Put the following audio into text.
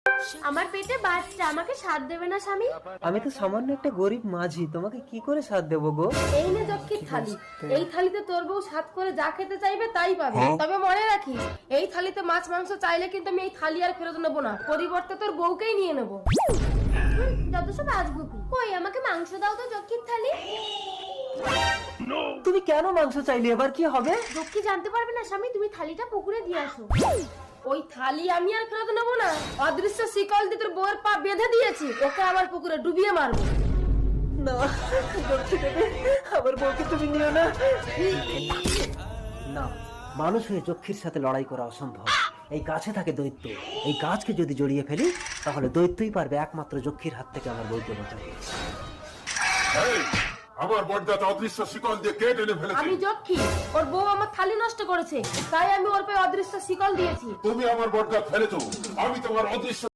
আমার পেটে বাচ্চা, আমাকে সাথ দেবে না স্বামী? আমি তো সামান্য একটা গরিব মাঝি, তোমাকে কি করে সাথ দেবো গো? এই নে যক্ষীর থালি, এই থালিতে তোর বউ সাথ করে যা খেতে চাইবে তাই পাবে। তবে মনে রাখিস, এই থালিতে মাছ মাংস চাইলে কিন্তু আমি এই থালি আর ফেরত নেবো না, পরিবর্তে তোর বউকেই নিয়ে নেবো। যত সব আজগুবি। কই আমাকে মাংস দাও তো যক্ষীর থালি। তুমি কেন মাংস চাইলে? এবার কি হবে? যক্ষী জানতে পারবে না স্বামী, তুমি থালিটা পুকুরে দিয়ে আসো। ওই থালি আমি আর ফেরত নেবো না, অদৃশ্য শিকল দিয়ে তোর বউয়ের পা বেঁধে দিয়েছি, ওকে আবার পুকুরে ডুবিয়ে মারবো। না, যক্ষী দেবে, আমার বউকে তুমি নিও না। না, মানুষ হয়ে যক্ষীর সাথে লড়াই করা অসম্ভব। এই গাছে থাকে দৈত্য, এই গাছকে যদি জড়িয়ে ফেলি তাহলে দৈত্যই পারবে একমাত্র যক্ষীর হাত থেকে আমার বউকে বাঁচাতে। আমার বড়দাটা অদৃশ্য শিকল দিয়ে কে টেনে ফেলেছে? আমি যক্ষী, ওর বউ আমার থালি নষ্ট করেছে, তাই আমি ওর পায়ে অদৃশ্য শিকল দিয়েছি। তুমি আমার বড়দা ফেলেছো, আমি তোমার অদৃশ্য